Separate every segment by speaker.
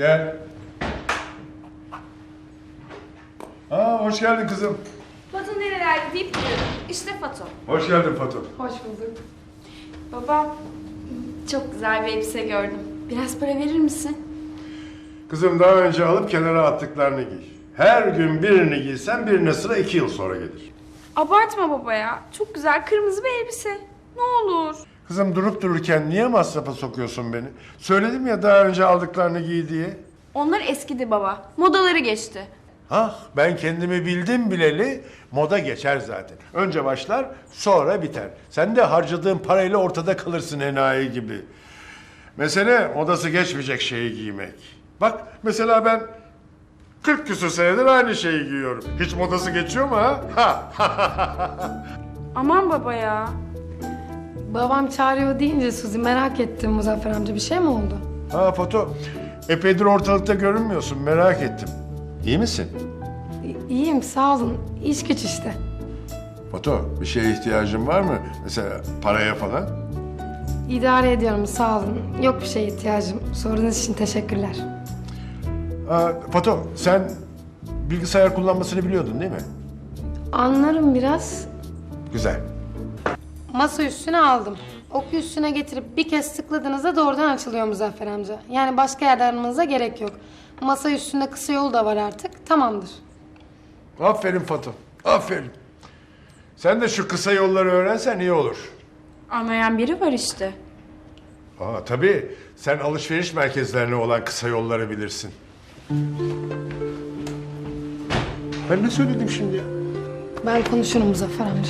Speaker 1: Gel. Hoş geldin kızım.
Speaker 2: Fatu nerelerde deyip duruyorum. İşte Fatu.
Speaker 1: Hoş geldin Fatum.
Speaker 3: Hoş bulduk.
Speaker 2: Baba, çok güzel bir elbise gördüm. Biraz para verir misin?
Speaker 1: Kızım daha önce alıp kenara attıklarını giy. Her gün birini giysen birine sıra 2 yıl sonra gelir.
Speaker 2: Abartma baba ya. Çok güzel kırmızı bir elbise. Ne olur.
Speaker 1: Kızım durup dururken niye masrafa sokuyorsun beni? Söyledim ya daha önce aldıklarını giy diye.
Speaker 2: Onlar eskidi baba. Modaları geçti.
Speaker 1: Ben kendimi bildim bileli moda geçer zaten. Önce başlar sonra biter. Sen de harcadığın parayla ortada kalırsın enayi gibi. Mesele modası geçmeyecek şeyi giymek. Bak mesela ben 40 küsur senedir aynı şeyi giyiyorum. Hiç modası geçiyor mu ha?
Speaker 2: Aman baba ya.
Speaker 3: Babam çağırıyor deyince Suzi merak ettim Muzaffer amca bir şey mi oldu?
Speaker 1: Foto. Epeydir ortalıkta görünmüyorsun merak ettim. İyi misin?
Speaker 3: İyiyim sağ olun. İş güç işte.
Speaker 1: Foto bir şeye ihtiyacın var mı? Mesela paraya falan?
Speaker 3: İdare ediyorum sağ olun. Yok bir şeye ihtiyacım. Sorunuz için teşekkürler.
Speaker 1: Foto sen bilgisayar kullanmasını biliyordun değil mi?
Speaker 3: Anlarım biraz.
Speaker 1: Güzel.
Speaker 3: Masa üstüne aldım. Oku üstüne getirip bir kez tıkladığınızda doğrudan açılıyor Muzaffer amca. Yani başka yerde aramanıza gerek yok. Masa üstünde kısa yol da var artık. Tamamdır.
Speaker 1: Aferin Fatum, aferin. Sen de şu kısa yolları öğrensen iyi olur.
Speaker 2: Anlayan biri var işte.
Speaker 1: Tabii. Sen alışveriş merkezlerine olan kısa yolları bilirsin. Ben ne söyledim şimdi ya?
Speaker 3: Ben konuşurum Muzaffer amca.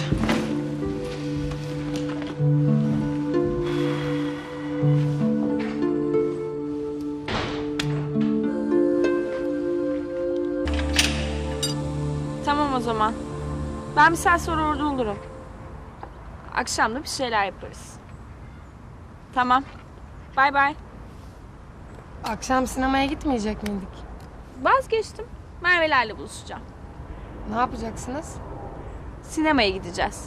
Speaker 2: Tamam o zaman. Ben bir saat sonra orada olurum. Akşam da bir şeyler yaparız. Tamam. Bay bay.
Speaker 3: Akşam sinemaya gitmeyecek miydik?
Speaker 2: Vazgeçtim. Merve'lerle buluşacağım.
Speaker 3: Ne yapacaksınız?
Speaker 2: Sinemaya gideceğiz.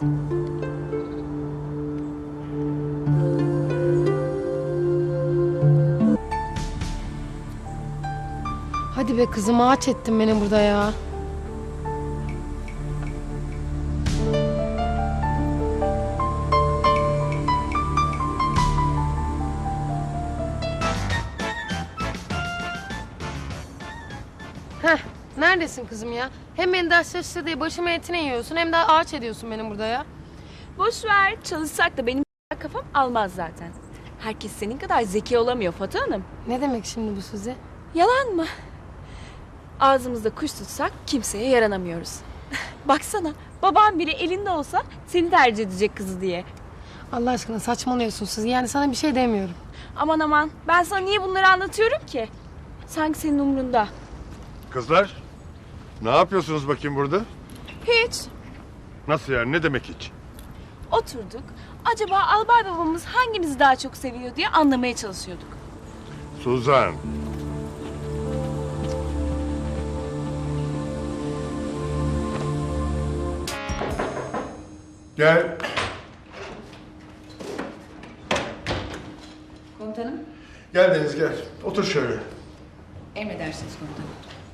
Speaker 3: Hadi be kızım ağaç ettin beni burada ya. Heh, neredesin kızım ya? Hem beni ders çalıştır diye başımın etine yiyorsun hem de ağaç ediyorsun benim burada ya.
Speaker 2: Boş ver. Çalışsak da benim kafam almaz zaten. Herkes senin kadar zeki olamıyor Fatih Hanım.
Speaker 3: Ne demek şimdi bu Suzi?
Speaker 2: Yalan mı? Ağzımızda kuş tutsak kimseye yaranamıyoruz. Baksana babam biri elinde olsa seni tercih edecek kızı diye.
Speaker 3: Allah aşkına saçmalıyorsun Suzi. Yani sana bir şey demiyorum.
Speaker 2: Aman aman ben sana niye bunları anlatıyorum ki? Sanki senin umrunda.
Speaker 1: Kızlar, ne yapıyorsunuz bakayım burada?
Speaker 2: Hiç.
Speaker 1: Nasıl yani, ne demek hiç?
Speaker 2: Oturduk. Acaba albay babamız hangimizi daha çok seviyor diye anlamaya çalışıyorduk.
Speaker 1: Suzan. Gel.
Speaker 4: Komutanım,
Speaker 1: Gel Deniz gel. Otur şöyle.
Speaker 4: emredersiniz komutanım.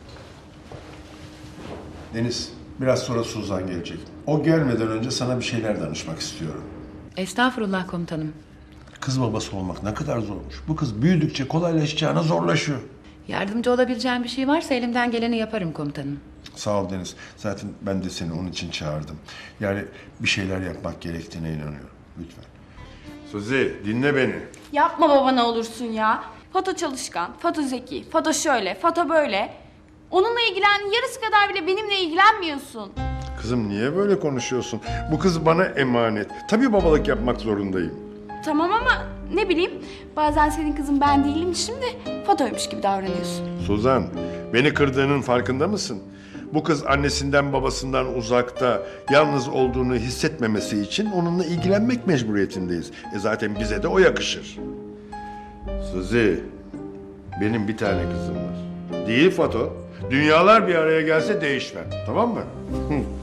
Speaker 1: Deniz, biraz sonra Suzan gelecek. O gelmeden önce sana bir şeyler danışmak istiyorum.
Speaker 4: Estağfurullah komutanım.
Speaker 1: Kız babası olmak ne kadar zormuş. Bu kız büyüdükçe kolaylaşacağına zorlaşıyor.
Speaker 4: Yardımcı olabileceğim bir şey varsa elimden geleni yaparım komutanım.
Speaker 1: Sağ ol Deniz. Zaten ben de seni onun için çağırdım. Yani bir şeyler yapmak gerektiğine inanıyorum. Lütfen. Suzi, dinle beni.
Speaker 2: Yapma baba ne olursun ya. Fato çalışkan, Fato zeki, Fato şöyle, Fato böyle. Onunla ilgilen yarısı kadar bile benimle ilgilenmiyorsun.
Speaker 1: Kızım niye böyle konuşuyorsun? Bu kız bana emanet. Tabii babalık yapmak zorundayım.
Speaker 2: Tamam ama ne bileyim bazen senin kızın ben değilim şimdi Fato'ymuş gibi davranıyorsun.
Speaker 1: Suzan, beni kırdığının farkında mısın? Bu kız annesinden babasından uzakta, yalnız olduğunu hissetmemesi için onunla ilgilenmek mecburiyetindeyiz. Zaten bize de o yakışır. Suzi, benim bir tane kızım var. Değil Fato. Dünyalar bir araya gelse değişmem, tamam mı?